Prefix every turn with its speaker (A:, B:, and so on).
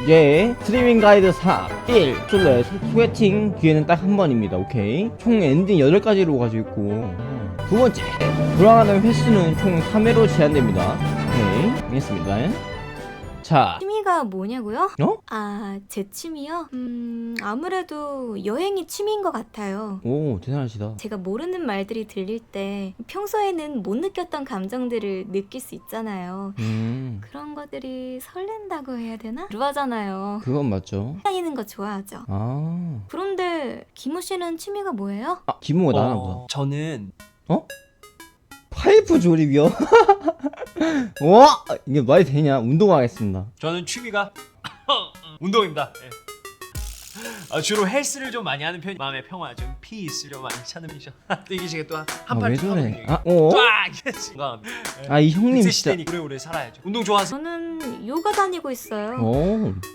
A: 이제 스트리밍 가이드 4 1 솔로의 소개팅 기회는 딱 한 번입니다. 오케이. 총 엔딩 8가지로 가지고 있고 두 번째, 돌아가는 횟수는 총 3회로 제한됩니다. 오케이, 알겠습니다. 자,
B: 취미가 뭐냐고요?
A: 어?
B: 아, 제 취미요? 아무래도 여행이 취미인 것 같아요.
A: 오, 대단하시다.
B: 제가 모르는 말들이 들릴 때 평소에는 못 느꼈던 감정들을 느낄 수 있잖아요. 그런 것들이 설렌다고 해야 되나? 그러잖아요.
A: 그건 맞죠.
B: 다니는 거 좋아하죠.
A: 아,
B: 그런데 김우 씨는 취미가 뭐예요?
A: 기모가 나나 보다.
C: 저는
A: 파이프 조립이요? 와, 이게 말이 되냐? 운동하겠습니다.
C: 저는 취미가 운동입니다. 예. 주로 헬스를 좀 많이 하는 편이 마음의 평화, 좀 피스 좀 많이 찾는 편이죠. 또 이게 제가 또
A: 아,
C: 한팔
A: 왜 저래? 이 형님 진짜.
C: 오래오래 살아야죠. 운동 좋아하세요?
B: 저는 요가 다니고 있어요.
A: 오,